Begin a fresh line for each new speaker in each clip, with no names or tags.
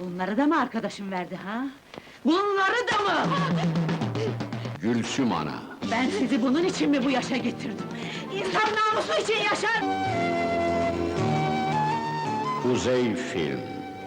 Bunları da mı arkadaşım verdi ha? Bunları da mı?
Gülsüm ana!
Ben sizi bunun için mi bu yaşa getirdim? İnsan namusu için yaşar!
Kuzey Film.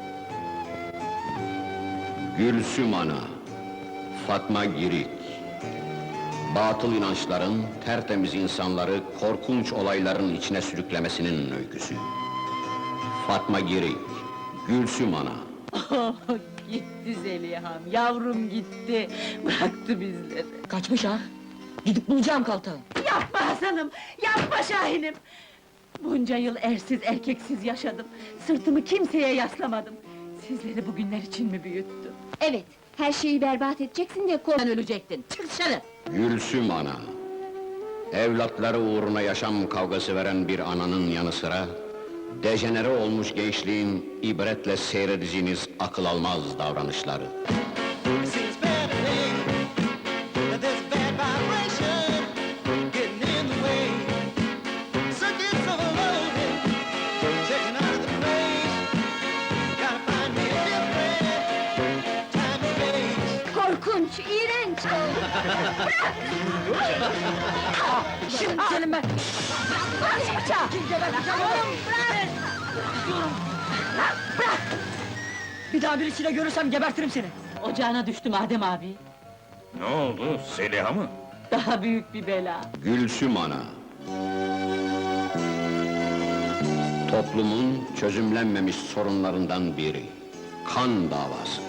Gülsüm ana, Fatma Girik. Batıl inançların, tertemiz insanları korkunç olayların içine sürüklemesinin öyküsü. Fatma Girik, Gülsüm ana.
Oh, gitti Zeliha'm, yavrum gitti! Bıraktı bizleri!
Kaçmış ha! Gidip bulacağım Kaltağı!
Yapma Hasan'ım, yapma Şahin'im! Bunca yıl ersiz erkeksiz yaşadım, sırtımı kimseye yaslamadım. Sizleri bugünler için mi büyüttüm?
Evet, her şeyi berbat edeceksin diye
Sen ölecektin, çık dışarı!
Gülsüm ana. Evlatları uğruna yaşam kavgası veren bir ananın yanı sıra... ...dejenere olmuş gençliğin ibretle seyredeceğiniz akıl almaz davranışları.
Seems bad to me that there's a bad vibration getting in the way. Circuits of loving, checking out of the place. Gotta find me a different time and place.
korkunç, iğrenç!
Şimdi senin ben!
Bırak şu bıçağı! Oğlum bırak! Bırak!
Bir daha birisiyle görürsem gebertirim seni!
Ocağına düştüm Adem abi.
Ne oldu, Zeliha mı?
Daha büyük bir bela.
Gülsüm ana. Toplumun çözümlenmemiş sorunlarından biri. Kan davası.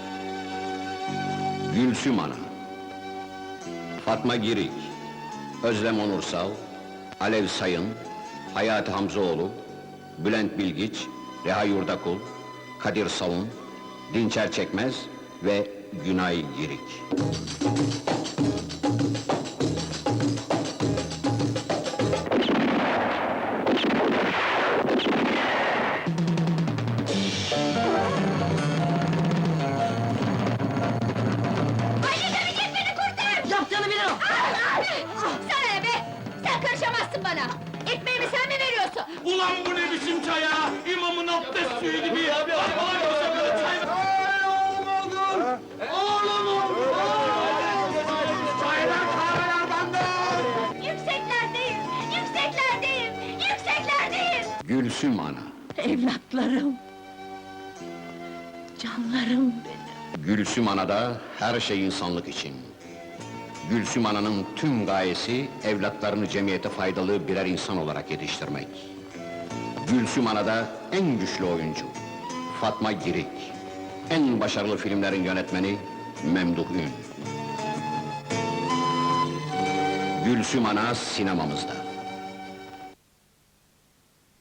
Gülsüm ana. Fatma Girik, Özlem Onursal, Alev Sayın, Hayati Hamzoğlu, Bülent Bilgiç, Reha Yurdakul, Kadir Savun, Dinçer Çekmez ve Günay Girik.
Yaptığını bilir o!
Sana ne be! Sen karışamazsın bana! Ekmeğimi sen mi veriyorsun?
Ulan bu ne biçim çay ya? İmamın abdest suyu gibi ya! Allah'a koşa böyle çay... Çaylar, kahveler benden!
Yükseklerdeyim! Yükseklerdeyim! Yükseklerdeyim!
Gülsüm ana.
Evlatlarım! Canlarım benim!
Gülsüm anada her şey insanlık için. Gülsüm ananın tüm gayesi, evlatlarını cemiyete faydalı birer insan olarak yetiştirmek. Gülsüm anada en güçlü oyuncu, Fatma Girik. En başarılı filmlerin yönetmeni, Memduh Ün. Gülsüm ana sinemamızda.